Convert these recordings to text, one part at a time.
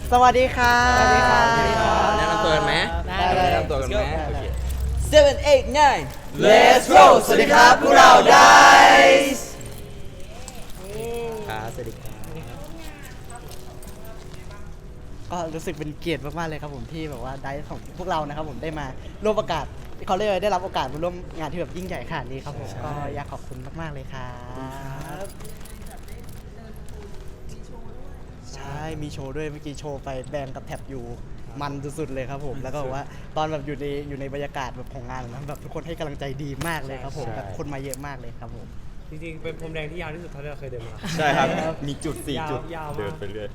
สวัสดีครับสวัสดีครับแนะนำตัวกันไหมได้แนะนำตัวกันไหมโอเค 7 8 9 Let's go สวัสดีครับพวกเรา Dice ครับสวัสดีครับก็รู้สึกเป็นเกียรติมากๆเลยครับผมที่แบบว่าได้ของพวกเรานะครับผมได้มาร่วมโอกาสเขาเรียกว่าได้รับโอกาสมาร่วมงานที่แบบยิ่งใหญ่ขนาดนี้ครับผมก็อยากขอบคุณมากๆเลยครับใช่มีโชว์ด้วยเมื่อกี้โชว์ไปแบงกับแท็บอยู่มันสุดๆเลยครับผมแล้วก็แบบว่าตอนแบบอยู่ในบรรยากาศแบบของงานนะแบบทุกคนให้กำลังใจดีมากเลยครับผมแบบคนมาเยอะมากเลยครับผมจริงๆเป็นพรมแดงที่ยาวที่สุดเท่าที่เราเคยเดินมาใช่ครับ มีจุด 4 จุดยาวมากเดินไปเรื่อย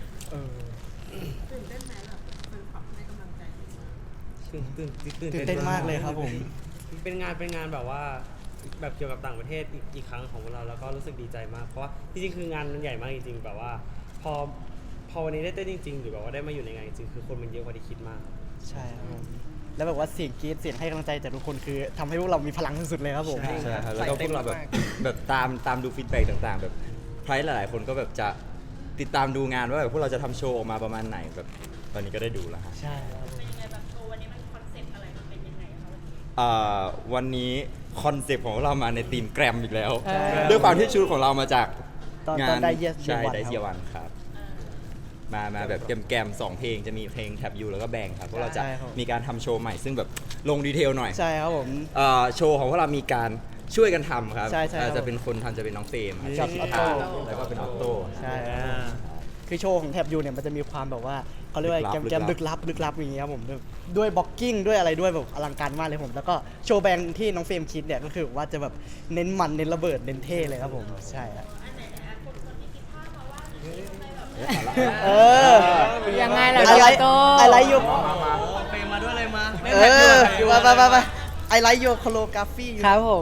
ตื่นเต้นมากเลยครับผมเป็นงานแบบว่าแบบเกี่ยวกับต่างประเทศอีกครั้งของพวกเราแล้วก็รู้สึกดีใจมากเพราะว่าจริงๆคืองานมันใหญ่มากจริงๆแบบว่าพอวันนี้ได้เต้นจริงๆหรือแบบว่าได้มาอยู่ในงานจริงๆคือคนมันเยอะกว่าที่คิดมากใช่ครับผมแล้วแบบว่าเสียงกรี๊ดเสียงให้กำลังใจจากทุกคนคือทำให้พวกเรามีพลังสุดๆเลยครับผมใช่ครับแล้วก็พวกเราแบบตามดูฟีดแบ็กต่างๆ แบบใครหลายๆคนก็แบบจะติดตามดูงานว่าแบบพวกเราจะทำโชว์ออกมาประมาณไหนแบบตอนนี้ก็ได้ดูแล้วฮะใช่ครับผมเป็นยังไงแบบโชว์วันนี้มันคอนเซ็ปต์อะไรมันเป็นยังไงคะวันนี้วันนี้คอนเซปต์ของเรามาในทีมแกรมอีกแล้วใช่ด้วยความที่ชุดของเรามาจากตอนงานได้ Yes ใช่ Year One ได้ครับเซียวันครับ มาแบบแกมๆ2 เพลงจะมีเพลงแท็บยูแล้วก็แบงครับพวกเราจะใช่ครับมีการทำโชว์ใหม่ซึ่งแบบลงดีเทลหน่อยใช่ครับผมโชว์ของพวกเรามีการช่วยกันทำครับใช่ครับจะเป็นคนทำจะเป็นน้องเฟรมกับที่ออโต้แล้วก็เป็นออโต้ใช่ครับผมคือโชว์ของแท็บยูเนี่ยมันจะมีความแบบว่าเขาเรียกว่าลึกลับแกมๆลึกลับอย่างเงี้ยครับผมด้วยบล็อกกิ้งด้วยอะไรด้วยแบบอลังการมากเลยผมแล้วก็โชว์แบงค์ที่น้องเฟรมคิดเนี่ยก็คือว่าจะแบบเน้นมันเน้นระเบิดเน้นเท่เลยครับผมใช่ครับอันไหนคนที่คิดภาพมาว่ามีอะไรแบบเออยังไงล่ะอะไรโตอะไรอยู่เฟรมมาด้วยอะไรมาเออไปไอไลท์โยโคโลกราฟีครับผม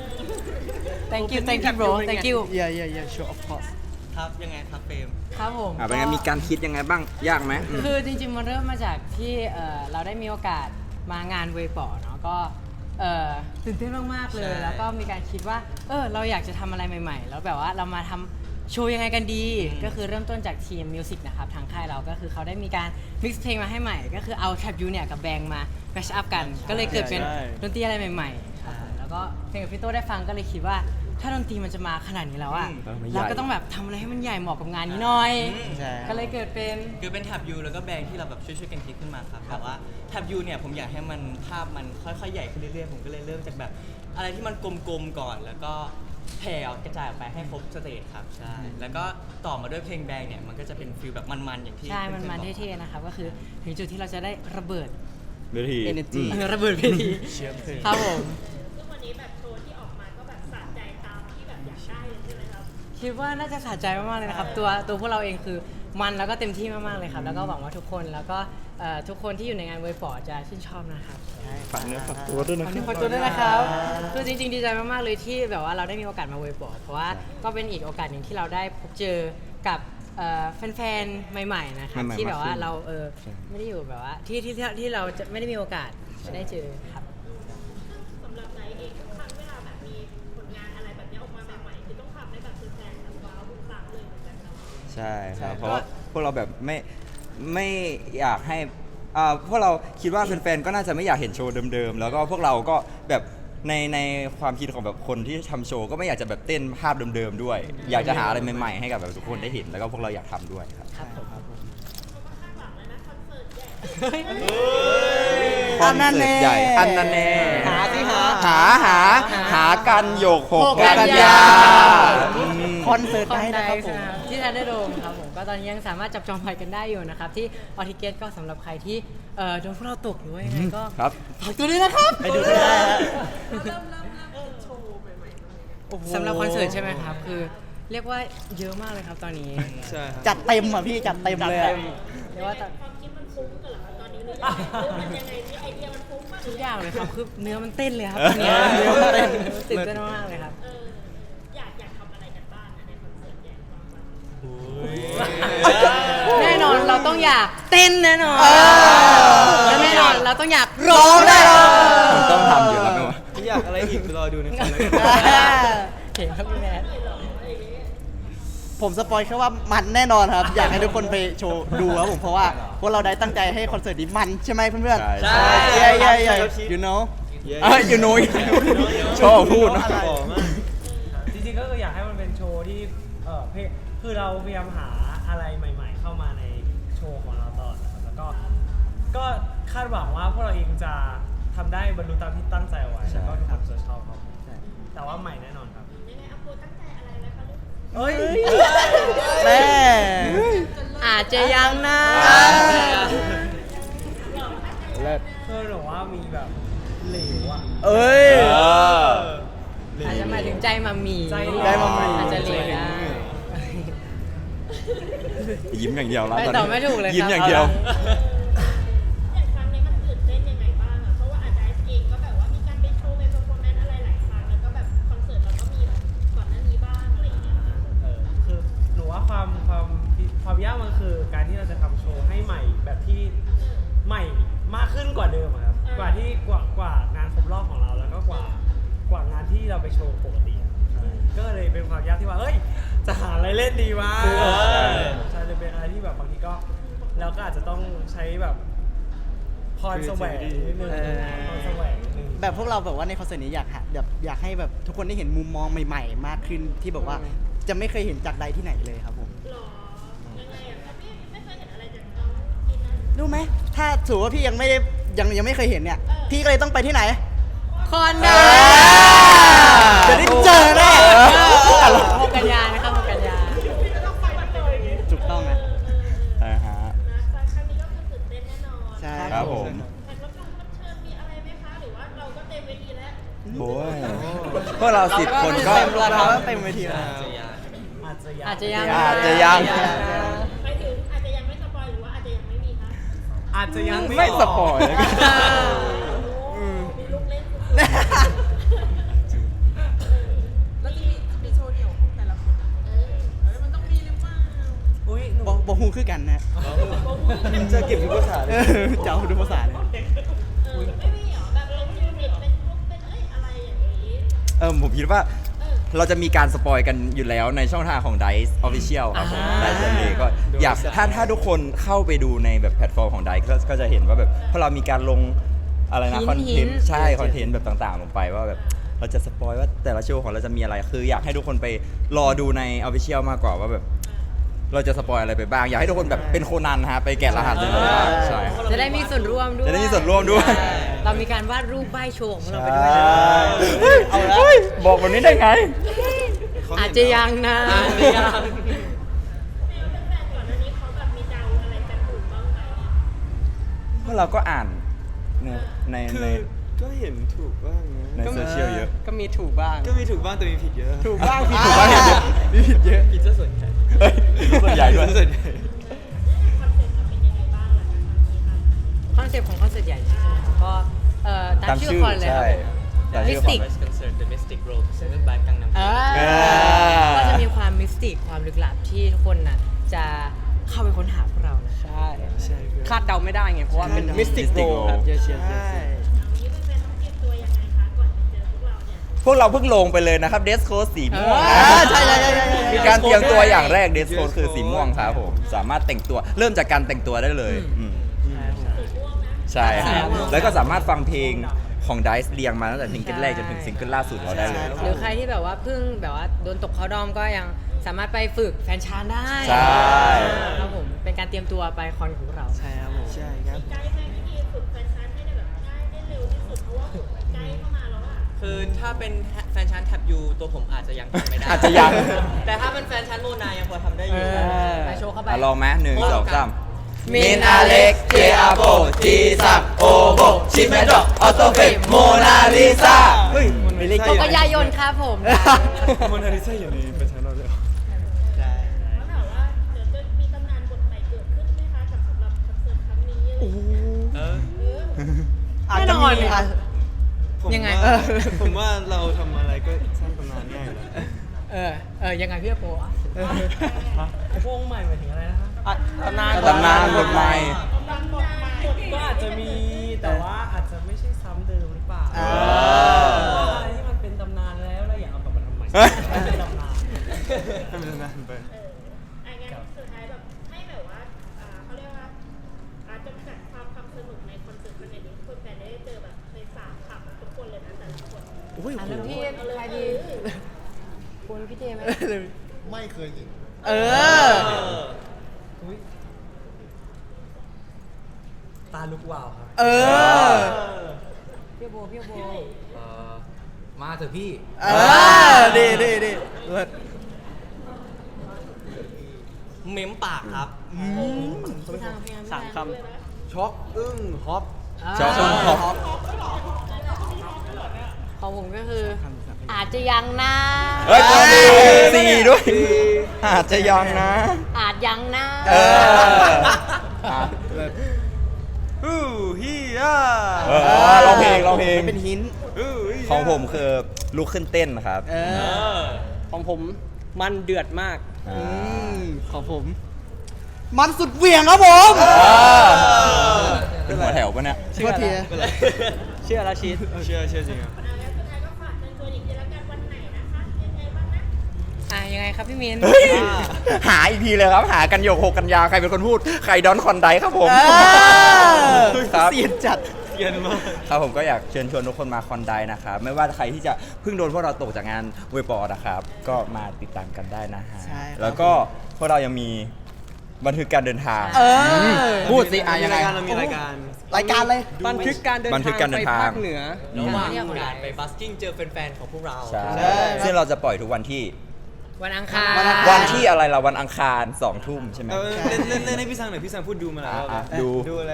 thank you bro thank you yeah sure of course ครับยังไงครับเฟรมครับผมเป็นไงมีการคิดยังไงบ้างยากไหมคือจริงๆมันเริ่มมาจากที่เราได้มีโอกาสมางานเวปอเนาะก็ตื่นเต้นมากๆเลยใช่แล้วก็มีการคิดว่าเราอยากจะทำอะไรใหม่ๆ แล้วแบบว่าเรามาทำโชว์ยังไงกันดี ก็คือเริ่มต้นจากทีมมิวสิกนะครับทางค่ายเราก็คือเขาได้มีการมิกซ์เพลงมาให้ใหม่ ก็คือเอาแทร็บยูเนี่ยกับแบงมาแมชอัพกัน ก็เลยเกิดเป็นใช่ดนตรีอะไรใหม่ๆครับผมแล้วก็เพลงกับพี่โต้ได้ฟังก็เลยคิดว่าถ้าดนตรีมันจะมาขนาดนี้แล้วอะเราก็ต้องแบบทำอะไรให้มันใหญ่เหมาะกับงานนี้หน่อยใช่ก็เลยเกิดเป็นคือเป็นแท็บยูแล้วก็แบงค์ที่เราแบบช่วยๆกันคิดขึ้นมาครับแต่ว่าแท็บยูเนี่ยผมอยากให้มันภาพมันค่อยๆใหญ่ขึ้นเรื่อยๆผมก็เลยเริ่มจากแบบอะไรที่มันกลมๆก่อน แล้วก็แผ่ออกกระจายออกไปให้ครบสเตจครับใช่แล้วก็ต่อมาด้วยเพลงแบงค์เนี่ยมันก็จะเป็นฟีลแบบมันๆอย่างที่ใช่ มันพื่อๆบอกเท่ๆนะครับ ก็คือถึงจุดที่เราจะได้ระเบิดเวที Energy ระเบิดเวทีเชื่อมเพลงครับผมซึ่งวันนี้แบบโชว์ที่ออกมาก็แบบสะใจตามที่แบบอยากได้เลยใช่ไหมครับคิดว่าน่าจะสะใจมากๆเลยนะครับ ตัวพวกเราเองคือมันแล้วก็เต็มที่มากๆเลยครับ แล้วก็หวังว่าทุกคนแล้วก็ทุกคนที่อยู่ในงานเวฟอร์จะชื่นชอบนะครับฝากเนื้อฝากตัวด้วยนะขอบคุณคนตัวด้วยนะครับคือจริงๆดีใจมากๆเลยที่แบบว่าเราได้มีโอกาสมาเวฟอร์เพราะว่าก็เป็นอีกโอกาสหนึ่งที่เราได้พบเจอกับแฟนๆใหม่ๆนะครับใหม่ๆที่แบบว่ามากขึ้นเราไม่ได้อยู่แบบว่าที่เราจะไม่ได้มีโอกาสได้เจอครับสำหรับไนท์เองทุกครั้งเวลาแบบมีผลงานอะไรแบบนี้ออกมาใหม่ๆคือต้องทำให้แบบแฟนๆแบบว้าวทุกครั้งเลยเหมือนกันเนาะใช่คใช่รับเพราะว่าพวกเราแบบไม่อยากให้พวกเราคิดว่าแฟนๆก็น่าจะไม่อยากเห็นโชว์เดิมๆแล้วก็พวกเราก็แบบในความคิดของแบบคนที่ทำโชว์ก็ไม่อยากจะแบบเต้นภาพเดิมๆด้วย อยากจะหาอะไรใหม่ๆให้กับแบบทุกคนได้เห็นแล้วก็พวกเราอยากทำด้วยครับครับผมเพราะว่าข้างหลังเลยนะคอนเสิร์ตใหญ่คอนเสิร์ตใหญ่อันนั้นแน่หาสิหาหากันโยกหกหกกันกันยายาคอนเสิร์ตได้นะครับผมที่ทันได้โดมครับผมก็ตอนนี้ยังสามารถจับจองไปกันได้อยู่นะครับ ที่ออทิเกตก็สำหรับใครที่โดนพวกเราตกหรือว่ายังไงก็ครับฝากตัวด้วยนะครับไปดูกันได้ฮะสำหรับคอนเสิร์ตใช่ไหมครับ คือเรียกว่าเยอะมากเลยครับตอนนี้ใช่ครับจัดเต็มอ่ะพี่จัดเต็มเลยอะเรียกว่าความคิดมันฟุ้งกันเหรอคะตอนนี้หรือยังไงหรือมันยังไงที่ไอเดียมันฟุ้งมากหทุรืกออยัย่างงเลยครับคือเนื้อมันเต้นเลยครับตอนนี้เนื้อมันเต้นตื่นเต้นมากๆเลยครับอยากทำอะไรกันบ้างในคอนเสิร์ตใหญ่ของเราแน่นอนเราต้องอยากเต้นแน่นอนและแน่นอนเราต้องอยากร้องได้หรอมันต้องทำอยู่แล้วไหมวะอยากอะไรอีกรอดูในคอนแล้วกันเห็นครับพี่แมทผมสปอยแค่ว่ามันแน่นอนครับ อยากให้ทุกคนไปโชว์ดูครับผมเพราะว่าพวกเราได้ตั้งใจให้คอนเสิร์ตนี้มันใช่ไหมเพื่อนๆใช่ใช่ใช่ใช่ you know อยู่นุ้ยชอบพูดนะจริงๆก็คืออยากให้มันเป็นโชว์ที่คือเราพยายามหาอะไรใหม่ ๆ เข้ามาในโชว์ของเราตลอดนะครับแล้วก็คาดหวังว่าพวกเราเองจะทำได้บรรลุตามที่ตั้งใจเอาไว้แล้วก็ทุกคนจะชอบครับแต่ว่าใหม่แน่นอนครับยังไงอาโปตั้งใจอะไรไว้คะลูกเฮ้ยแม่อาจจะยังนะเลิศคือหนูว่ามีแบบเหลวอ่ะเอ้ยอาจจะหมายถึงใจมามีใจมามีอาจจะเหลวได้ยิ้มอย่างเดียวแล้วไปตอนต่อนี้ไม่ถูกเลยครับยิ้มอย่างเดียวอย่างครั้งนี้มันตื่นเต้นยังไงบ้างอะเพราะว่าอาจารย์เองก็แบบว่ามีการไปโชว์ไปเปอร์ฟอร์แมนซ์อะไรหลายครั้งแล้วก็แบบคอนเสิร์ตเราก็มีแบบก่อนหน้านี้บ้างอะไรอย่างเงี้ยค่ะคือหนูว่าความยากมันคือการที่เราจะทำโชว์ให้ใหม่แบบที่ใหม่มากขึ้นกว่าเดิมอะครับกว่างานครบรอบของเราแล้วก็กว่างานที่เราไปโชว์ปกติอะก็เลยเป็นความยากที่ว่าเอ้ยจะหาอะไรเล่นดีวะใช่เลยเป็นอะไรที่แบบบางทีก็เราก็อาจจะต้องใช้แบบพรแสวงนิดนึงพรแสวงนิดนึงแบบพวกเราแบบว่าในคอนเสิร์ตนี้อยากอยากให้แบบทุกคนได้เห็นมุมมองใหม่ๆ มากขึ้นที่แบบว่าจะไม่เคยเห็นจากใดที่ไหนเลยครับผมหรอยังไงอะคะพี่ไม่เคยเห็นอะไรจากน้องกินนะรู้ไหมถ้าถือว่าพี่ยังไม่ได้ยังไม่เคยเห็นเนี่ย พี่ก็เลยต้องไปที่ไหนคอนด้าจะได้เจอแน่ 6 กันยานะครับ6 กันยาถูกต้องนะนะฮะนะครั้งนี้ก็คือตื่นเต้นแน่นอนใช่ครับผมแขกรับเชิญมีอะไรไหมคะหรือว่าเราก็เต็มเวทีแล้วโอ้ยพวกเรา10 คนก็เต็มแล้วครับเต็มเวทีแล้วอาจจะยังอาจจะยังอาจจะยังไปถึงอาจจะยังไม่สปอยหรือว่าอาจจะยังไม่มีคะอาจจะยังไม่สปอยแล้วกันมีลูกเล่นแล้วจะมีโชว์เดี่ยวของแต่ละคนอะมันต้องมีหรือเปล่าอุ้ยหนูบอกฮูคือกันนะจะเก็บทุกภาษาเลยจะเอาดูภาษาเลยไม่มีเหรอแบบเรายูนิตเป็นพวกเป็นอะไรอย่างนี้ผมคิดว่าเราจะมีการสปอยกันอยู่แล้วในช่องทางของ Dice Official ครับผม Dice เลยก็อยากถ้าทุกคนเข้าไปดูในแบบแพลตฟอร์มของ Dice ก็จะเห็นว่าแบบพอเรามีการลงอะไรนะคอนเทนต์ใช่คอนเทนต์แบบต่างๆลงไปว่าแบบเราจะสปอยว่าแต่ละโชว์ของเราจะมีอะไรคืออยากให้ทุกคนไปรอดูใน Official มากกว่าว่าแบบเราจะสปอยอะไรไปบ้าง อยากให้ทุกคนแบบเป็นโคนันฮะไปแกะรหัสเลยว่าใช่จะได้มีส่วนร่วมด้วยจะได้มีส่วนร่วมด้วยเรามีการวาดรูปใบโชว์ของเราไปด้วยใช่นะเอาละบอกแบบนี้ได้ไงอาจจะยังนะแฟนก่อนหน้านี้เขาแบบมีเดาอะไรกันถูกบ้างไหมเพราะเราก็อ่านในคือก็เห็นถูกบ้างนะในโซเชียลเยอะก็มีถูกบ้างก็มีถูกบ้างแต่มีผิดเยอะถูกบ้างผิดถูกบ้างผิดเยอะมีผิดเยอะผิดซะส่วนใหญ่เฮ้ยส่วนใหญ่ด้วยส่วนใหญ่คอนเซ็ปต์มันเป็นยังไงบ้างล่ะคะนี้ค่ะคอนเซ็ปต์ของคอนเสิร์ตใหญ่ใช่ไหมครับก็ตามชื่อคอนเลยครับตามชื่อ Mystic คอน Concert The Mystic Road Presented by Gangnam ก็จะมีความมิสติกความลึกลับที่ทุกคนน่ะจะเข้าไปค้นหาพวกเรานะใช่ใช่ครับคาดเดาไม่ได้ไงเพราะว่าเป็น Mystic Mystic Road Road ครับ Yes, yes, ใช่ yes, yes เอางี้แฟนๆต้องเตรียมตัวยังไงคะก่อนจะเจอพวกเราเนี่ยพวกเราเพิ่งลงไปเลยนะครับเดสโคสีม่วงใช่ใช่ใช่ใช่มีการเตรียมตัวอย่างแรกเดสโคคือสีม่วงครับผมสามารถแต่งตัวเริ่มจากการแต่งตัวได้เลยใช่ครับแล้วก็สามารถฟังเพลงของ Dice เรียงมาตั้งแต่ซิงเกิลแรกจนถึงซิงเกิลล่าสุดเราได้เลยหรือใครที่แบบว่าเพิ่งแบบว่าโดนตกเขาดอมก็ยังสามารถไปฝึกแฟนชานได้ใช่ครับผมเป็นการเตรียมตัวไปคอนของพวกเราใช่ครับผมใช่ครับไกด์แม่วิธีฝึกแฟนชาร์จให้ได้แบบง่ายได้เร็วที่สุดเพราะว่าไกด์เข้ามาแล้วอะคือถ้าเป็นแฟนชั้นแท็บยูตัวผมอาจจะยังทำไม่ได้อาจจะยังแต่ถ้าเป็นแฟนชั้นโมนายังพอทำได้อยู่ไปโชว์เข้าไปลองไหมหนึ่งสองสาม Min Alex J Abo G สักโอโบชิเมโดออโตเฟกโมนาลิซาเฮ้ยมันไม่ได้ 6 กันยายนครับผมมอนนาลิซาอยู่ในประชาชนเลยเหรอแล้วแบบว่าเดี๋ยวจะมีตำนานบทใหม่เกิดขึ้นไหมคะกับสำหรับคอนเสิร์ตครั้งนี้อะไรอย่างเงี้ยอาจจะมีอ่ะผมยังไงว่าผมว่าเราทำอะไรก็สร้างตำนานง่ายอยู่แล้วยังไงพี่โปอ่ะวงใหม่หมายถึงอะไรนะคะตำนานตำนานบทใหม่ตำนานบทใหม่ก็อาจจะมีแต่ว่าอาจจะไม่ใช่ซ้ำเดิมหรือเปล่าอ่าเพราะว่าอะไรที่มันเป็นตำนานแล้วเราอยากเอากลับมาทำใหม่เฮ้ยให้เป็นตำนานให้มันนานไปแอ้ยอ่ะโอ้แล้วโหพี่ใครดีคุณพี่เจไหมไม่เคยเห็นเออตาลุกวาวครับเออพี่โบพี่โบมาเถอะพี่เออดีดีดีเลิศเม้มปากครับพี่ทางพี่ทางสามคำช็อกอึ้งฮอปชอบชอบของผมก็คือ อาจจะยังนะเฮ้ยสี่ด้วย อาจจะยังนะอาจยังนะเอออ่ะฮู้ฮีย่าเออร้องเพลงร้องเพลงเป็นหินฮู้ฮีย่าของผมคือลุกขึ้นเต้นครับเออของผมมันเดือดมากอ่าของผม มันสุดเหวี่ยงครับผมเป็นหัวแถวปะเนี่ยโทษทีเชื่อแล้วชีสเชื่อจริงครับแล้วสุดท้ายก็ฝากเชิญชวนอีกทีละกันวันไหนนะคะยังไงบ้างนะยังไงครับพี่มินเฮ้ยหาอีกทีเลยครับ หากันโยก6 กันยาใครเป็นคนพูด ใครดอนคอนไดครับผม ครับเสียดจัดเย็นมากครับผมก็อยากเชิญชวนทุกคนมาคอนไดนะครับ ไม่ว่าใครที่จะเพิ่งโดนพวกเราตกจากงานเวบอร์นะครับ ก็มาติดตามกันได้นะฮะใช่ครับแล้วก็พวกเรายังมีบันทึกการเดินทางเออพูดสิยังไงเรามีรายการรายการเลยบันทึกการเดินบันทึกการเดินทางไปภาคเหนือระหว่างการไปบัสกิ้งเจอแฟนๆของพวกเราใช่ใช่ซึ่งเราจะปล่อยทุกวันที่วันอังคารวันที่อะไรเราวันอังคาร2 ทุ่มใช่ไหมเล่นให้พี่ซังหน่อยพี่ซังพูดดูมาแล้วอ่ะดูดูอะไร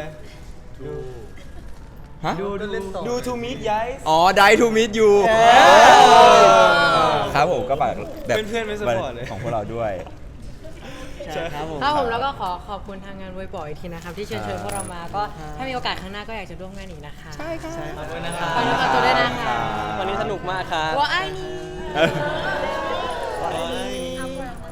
ฮะดูทูมิดย้ายอ๋อ Die to meet you เออครับผมก็ฝากแบบเพื่อนๆไม่ support เลยของพวกเราด้วยใช่ครับผมครับผมแล้วก็ขอขอบคุณทางงานเวยบอยอีกทีนะครับ ที่เชิญชวนพวกเรามาก็ถ้ามีโอกาสข้างหน้าก็อยากจะร่วมงานอีกนะคะใช่ค่ะขอบคุณนะครับขอบคุณตัวด้วยนะคะวันนี้สนุกมากครับว่าไอ้นี่